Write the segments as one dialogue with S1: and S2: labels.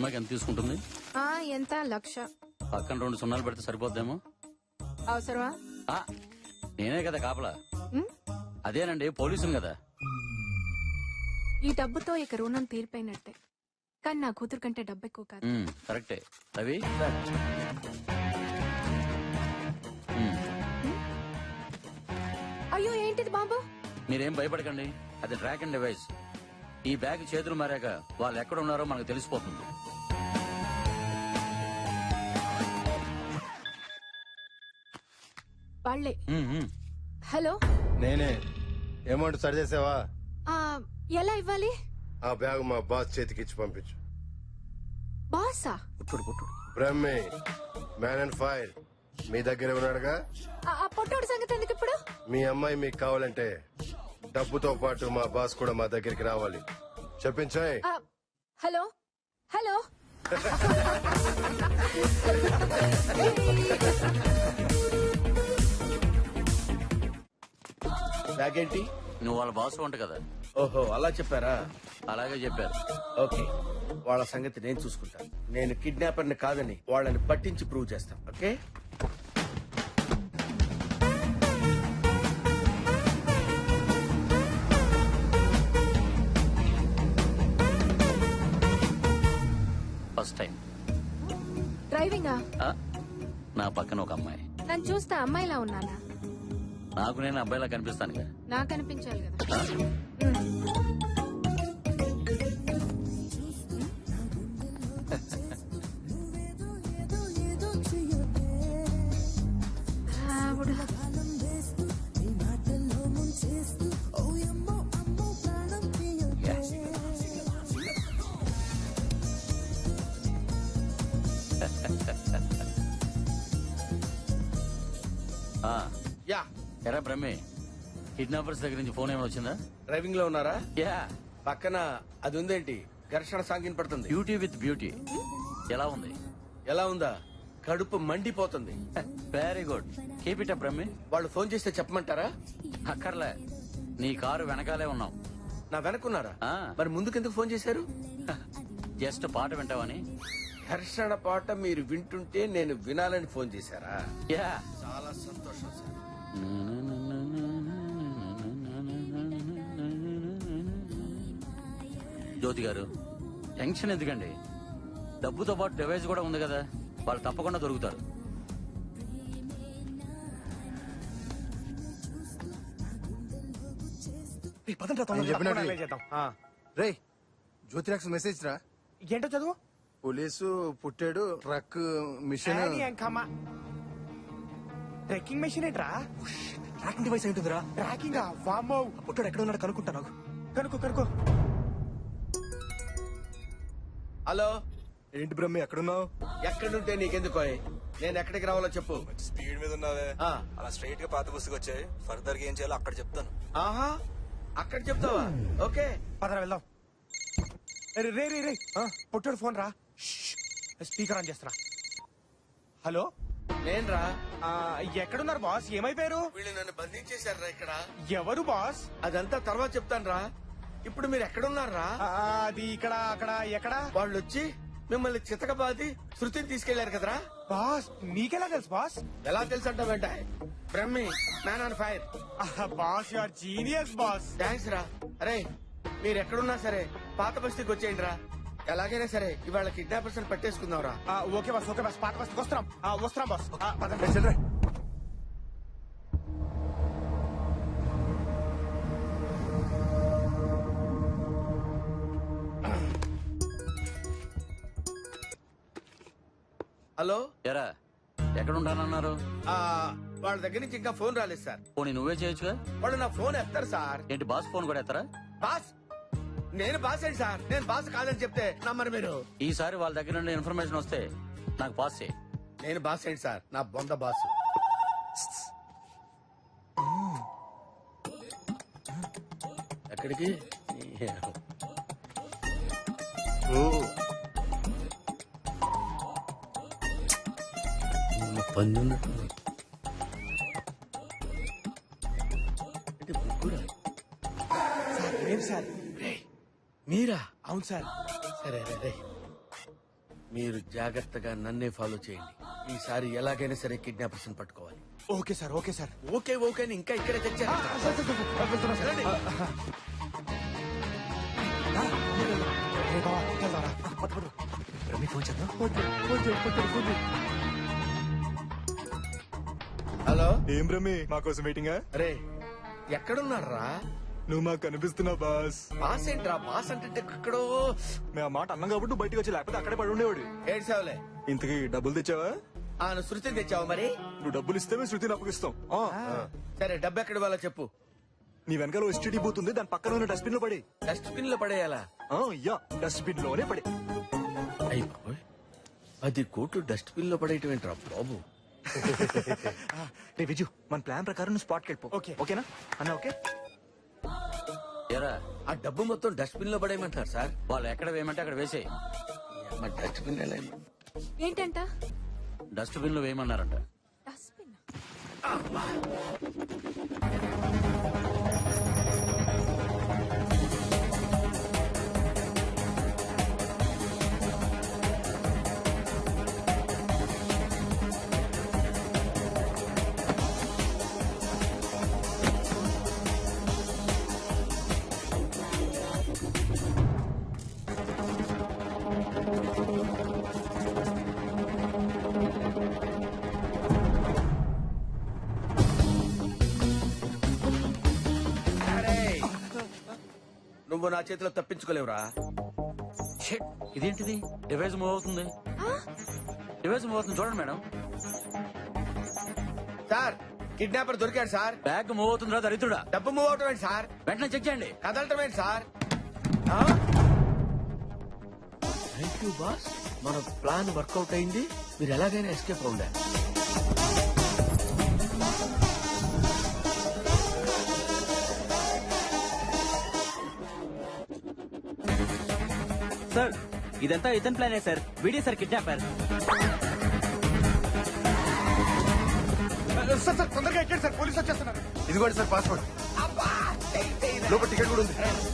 S1: సినిమాకి ఎంత తీసుకుంటుంది?
S2: ఎంత 1,00,000.
S1: పక్కన 2 సున్నాలు పెడితే సరిపోద్దేమో.
S2: అవసరమా?
S1: నేనే కదా కాపలా.
S2: ఉమ్,
S1: అదేనండి, పోలీసుని కదా.
S2: ఈ డబ్బుతో ఇక రుణం తీరిపోయినట్టే. కానీ నా కూతురు కంటే డబ్బు ఎక్కువ కాదు.
S1: కరెక్టే రవి.
S2: అయ్యో ఏంటిది బాబు?
S1: మీరేం భయపడకండి, అది ట్రాక్ అండ్ డివైస్. ఈ బ్యాగ్ చేతులు మారాక వాళ్ళు ఎక్కడ ఉన్నారో మనకు తెలిసిపోతుంది.
S2: వాళ్ళే. హలో,
S3: నేనే. అమౌంట్ సరి చేసావా?
S2: ఎలా ఇవ్వాలి?
S3: ఆ బ్యాగ్ మా బాస్ చేతికి ఇచ్చి పంపించు.
S2: బాసా?
S3: బ్రహ్మే, మ్యాన్ అండ్ ఫైర్ మీ దగ్గర ఉన్నాడుగా.
S2: ఆ పొట్టోడు సంగతి ఎందుకు ఇప్పుడు?
S3: మీ అమ్మాయి మీకు కావాలంటే డబ్బుతో పాటు మా బాస్ కూడా మా దగ్గరికి రావాలి. చెప్పించాయి.
S2: Hello hello.
S4: బ్యాగ్ ఏంటి?
S1: నువ్వు వాళ్ళ బాస్ వంట కదా.
S4: ఓహో, అలా చెప్పారా?
S1: అలాగే చెప్పారు.
S4: ఓకే, వాళ్ళ సంగతి నేను చూసుకుంటాను. నేను కిడ్నాపర్ ని కాదని వాళ్ళని పట్టించి ప్రూవ్ చేస్తాను. ఓకే.
S1: ఫస్ట్ టైం
S2: డ్రైవింగా?
S1: నా పక్కన ఒక అమ్మాయి.
S2: నన్ను చూస్తే అమ్మాయిలా ఉన్నానా?
S1: నాకు నేను అబ్బాయిలా కనిపిస్తాను.
S2: నాకు అనిపించాలి కదా.
S4: యా.
S1: ఎరా బ్రహ్మే, కిడ్నాపర్స్ దగ్గర నుంచి ఫోన్ ఏమైనా వచ్చిందా?
S4: డ్రైవింగ్ లో ఉన్నారా?
S1: యా.
S4: పక్కన అది ఉందేంటి? ఘర్షణ సాగిన పడుతుంది.
S1: Beauty with beauty. ఎలా ఉంది?
S4: ఎలా ఉందా? కడుపు మండిపోతుంది.
S1: Very good, keep it up బ్రహ్మే.
S4: వాళ్ళు ఫోన్ చేస్తే చెప్పమంటారా?
S1: అక్కర్లే, నీ కారు వెనకాలే ఉన్నాం.
S4: నా వెనకున్నారా?
S1: ఆ.
S4: మరి ముందుకెందుకు ఫోన్ చేశారు?
S1: జస్ట్ పాట వింటావని.
S4: ఘర్షణ పాట మీరు వింటుంటే నేను వినాలని ఫోన్ చేశారా?
S1: యా.
S4: చాలా సంతోషం సార్.
S1: జ్యోతి గారు, టెన్షన్ ఎందుకండి? డబ్బుతో పాటు డివైస్ కూడా ఉంది కదా, వాళ్ళు తప్పకుండా దొరుకుతారు.
S3: రే, జ్యోతిరాక్స్ మెసేజ్ రా.
S5: ఏంటో చదువు.
S3: పోలీసు పుట్టాడు, ట్రక్ మిషన్.
S5: ట్రెక్కింగ్ మెషిన్ ఏంట్రా?
S6: ట్రాకింగ్ డివైస్ ఏంటిదిరా?
S5: ట్రాకింగ్ వామ్మో.
S6: పుట్టాడు ఎక్కడ ఉన్నాడు కనుక్కుంటాను.
S5: కనుక్కో.
S4: హలో.
S3: ఏంటి బ్రహ్మి, ఎక్కడున్నావు?
S4: ఎక్కడుంటే నీకెందుకో? నేను ఎక్కడికి రావాలో చెప్పు.
S6: స్పీడ్ మీద ఉన్నావే,
S4: ఆ.
S6: అలా స్ట్రైట్ గా పాత బస్సుకి వచ్చాయి. ఫర్దర్ గా ఏం చేయాలో అక్కడ చెప్తాను.
S4: ఆహా, అక్కడ చెప్తావా? ఓకే,
S5: పదరా వెళ్దాం. రే పొట్టాడు ఫోన్ రా. స్పీకర్ ఆన్ చేస్తారా. హలో,
S4: నేనురా.
S5: ఎక్కడున్నారు బాస్? ఏమైపోయారు?
S4: వీళ్ళు నన్ను బంధించేశారా ఇక్కడ.
S5: ఎవరు బాస్?
S4: అదంతా తర్వాత చెప్తాను రా. ఇప్పుడు మీరు ఎక్కడున్నారా?
S5: అది ఇక్కడ అక్కడ ఎక్కడ?
S4: వాళ్ళు వచ్చి మిమ్మల్ని చితకబాది శృతిని తీసుకెళ్లారు కదరా.
S5: బాస్ మీకెలా తెలుసు బాస్?
S4: ఎలా తెలుసు అంటావేంట? Brahmi, man on fire.
S5: Boss you are genius boss.
S4: Thanks రా. అరే, మీరు ఎక్కడున్నా సరే పాత బస్తీకి వచ్చేయండి రా. ఎలాగైనా సరే ఇవాళ కిడ్నాపర్స్ పట్టేసుకుందాం రా.
S5: Okay boss, okay boss. పాత బస్తీకి వస్తున్నాం. వస్తున్నాం బాస్.
S4: హలో.
S1: ఎరా, ఎక్కడ ఉంటానన్నారు?
S4: వాళ్ళ దగ్గర నుంచి ఇంకా ఫోన్ రాలేదు సార్.
S1: పోనీ నువ్వే చేయొచ్చుగా.
S4: వాళ్ళు నా ఫోన్ ఎత్తారు సార్.
S1: ఏంటి, బాస్ ఫోన్ కూడా ఎత్తరా?
S4: బాస్, నేను బాస్ ఏంటి సార్? నేను బాస్ కాదని చెప్తే నమ్మరు మీరు.
S1: ఈసారి వాళ్ళ దగ్గర నుండి ఇన్ఫర్మేషన్ వస్తే నాకు పాస్ చేయి.
S4: నేను బాస్ ఏంటి సార్? నా బొంద బాస్. ఎక్కడికి? పందున్నట్టు ముగ్గురా?
S5: ఏం సార్?
S4: మీరా?
S5: అవును సార్.
S4: సరే రే. మీరు జాగ్రత్తగా నన్నే ఫాలో చేయండి. ఈసారి ఎలాగైనా సరే కిడ్నాపర్స్ పట్టుకోవాలి.
S5: Okay sir okay sir.
S4: Okay okay అని ఇంకా ఇక్కడే తెచ్చారు. రండి. హలో
S5: ఏం రమి మా కోసం వెయిటింగా?
S4: అరే ఎక్కడున్నారా?
S5: నువ్వు మాకు కనిపిస్తున్నావు బాస్.
S4: బాస్ ఏంట్రా? బాస్ అంటే ఎక్కడో.
S5: మేము ఆ మాట అన్నాం కాబట్టి నువ్వు బయటకు వచ్చి లేకపోతే అక్కడే పడి ఉండేవాడు.
S4: ఏడ్చావులే.
S5: ఇంతకీ డబ్బులు తెచ్చావా?
S4: నువ్వు శృతిని తెచ్చావు మరి?
S5: నువ్వు డబ్బులు ఇస్తే మేము శృతిని అప్పగిస్తాం.
S4: సరే డబ్బు ఎక్కడ ఇవ్వాలో చెప్పు.
S5: నీ వెనకాల ఎస్టీడీ బూత్ ఉంది, దాని పక్కన ఉన్న డస్ట్బిన్ లో పడి.
S4: డస్ట్బిన్ లో పడేయాలా?
S5: యా డస్ట్బిన్ లోనే పడి.
S4: అయ్యి బాబోయ్, 10 కోట్లు డస్ట్బిన్ లో పడేయటం ఏంట్రా బాబు?
S5: రే విజు, మన ప్లాన్ ప్రకారం నువ్వు స్పాట్కి వెళ్ళిపో. ఓకేనా అన్న? ఓకే.
S1: ఎరా
S4: ఆ డబ్బు మొత్తం డస్ట్బిన్ లో పడేయమంటారు సార్.
S1: వాళ్ళు ఎక్కడ వేయమంటే అక్కడ వేసేయి.
S4: మరి డస్ట్బిన్ ఎలా వేయమంటారు?
S2: ఏంటంట?
S1: డస్ట్బిన్ లో వేయమన్నారంట.
S2: డస్ట్బిన్.
S4: నువ్వు నా చేతిలో తప్పించుకోలేవురా.
S1: షిట్, ఇదేంటిది? డివైస్ మూవ్ అవుతుంది. డివైస్ మూవ్ అవుతుంది చూడండి మేడం.
S4: సార్ కిడ్నాపర్ దొరికాడు సార్.
S1: బ్యాగ్ మూవ్ అవుతుందిరా దరిద్రుడా.
S4: డబ్బు మూవ్ అవటం ఏంటి సార్?
S1: వెంటనే చెక్ చేయండి.
S4: కదలటం ఏంటి సార్? థ్యాంక్ యూ బాస్, మన ప్లాన్ వర్కౌట్ అయింది. మీరు ఎలాగైనా ఎస్కేప్ అవుండారు.
S7: సార్ ఇదంతా ఇతని ప్లానే sir. Video sir kidnapper.
S5: Sir sir తొందరగా ఎక్కండి సార్, పోలీసు వచ్చేస్తున్నారు.
S3: ఇదిగోండి సార్ పాస్పోర్ట్. లోపల టికెట్ కూడా ఉంది.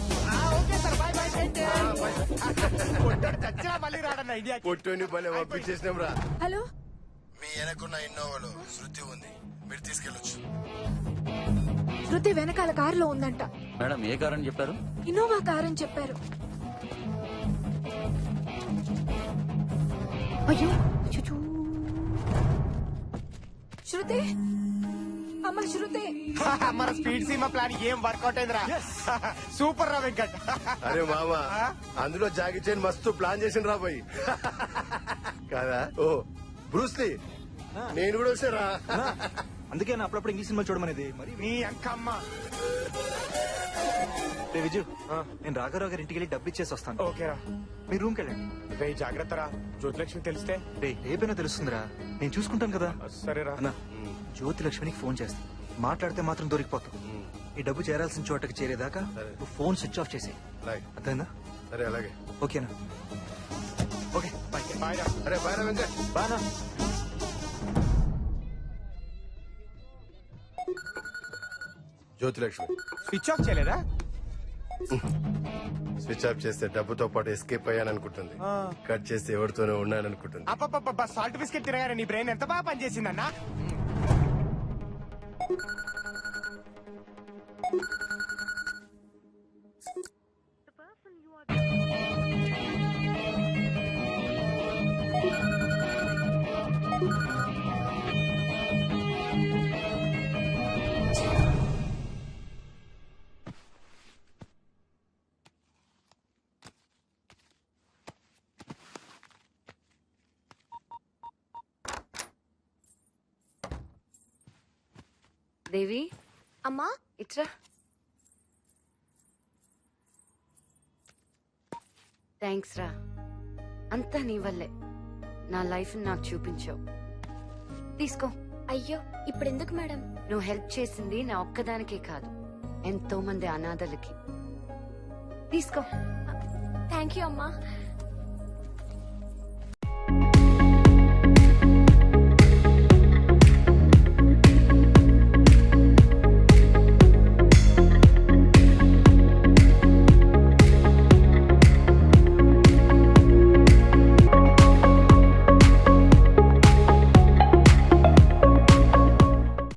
S5: చచ్చినా మళ్ళీ రాడన్న ఐడియా.
S3: పొట్టుని పని పంపించేసినాం రా.
S2: హలో,
S3: మీ వెనకున్న ఇన్నోవాలో శృతి ఉంది, మీరు తీసుకెళ్ళొచ్చు.
S2: శృతి వెనకాల కారులో ఉందంట.
S1: మేడం ఏ కార్ అని చెప్పారు?
S2: ఇన్నోవా కార్ అని చెప్పారు. అయ్యో అచ్చచ్చో. శృతి, అమ్మ శృతి.
S5: మన స్పీడ్ సీమా ప్లాన్ ఏం వర్కౌట్ అయిందిరా. సూపర్ రా వెంకట్.
S3: అరే మామా, అందులో జాగి చైన్ మస్తు ప్లాన్ చేసిన రా పోయి కాదా? ఓ బ్రూస్లీ, నేను కూడా వచ్చారా?
S5: అందుకే నా అప్పుడప్పుడు ఇంగ్లీష్ సినిమా చూడమనేది. మరి నీ అంకమ్మ. రే విజు, నేను రాఘరావు గారి ఇంటికి వెళ్ళి డబ్బు ఇచ్చేసి వస్తాను. ఓకేరా, మీ రూమ్కి వెళ్ళండి. రే జాగ్రత్త రా, జ్యోతిలక్ష్మి తెలిస్తే. రే రేపైనా తెలుస్తుందిరా, నేను చూసుకుంటాను కదా. సరేరా అన్న. జ్యోతిలక్ష్మికి ఫోన్ చేస్తా, మాట్లాడితే మాత్రం దొరికిపోతావు. ఈ డబ్బు చేరాల్సిన చోటకి చేరేదాకా నువ్వు ఫోన్ స్విచ్ ఆఫ్ చేసేయి. అర్థమైందా?
S3: సరే అలాగే.
S5: ఓకేనా? Okay bye. బాయ్ రా.
S3: అరే బాయ్ రా వెంకట్.
S5: బానా.
S3: జ్యోతిలక్ష్మి
S5: స్విచ్ ఆఫ్ చేయలేదా?
S3: స్విచ్ ఆఫ్ చేస్తే డబ్బుతో పాటు ఎస్కేప్ అయ్యాననుకుంటుంది. కట్ చేస్తే ఎవరితోనే ఉన్నాననుకుంటుంది.
S5: అప్ప సాల్ట్ బిస్కెట్ తినగానే నీ బ్రెయిన్ ఎంత బాగా పనిచేసిందన్నా.
S8: దేవి,
S2: అమ్మా
S8: ఇట్రా. థ్యాంక్స్ రా, అంతా నీ వల్లే. నా లైఫ్ నాకు చూపించావు. తీసుకో.
S2: అయ్యో ఇప్పుడెందుకు మేడం?
S8: నువ్వు హెల్ప్ చేసింది నా ఒక్కదానికే కాదు, ఎంతో మంది అనాథలకి. తీసుకో.
S2: థ్యాంక్ యూ అమ్మా.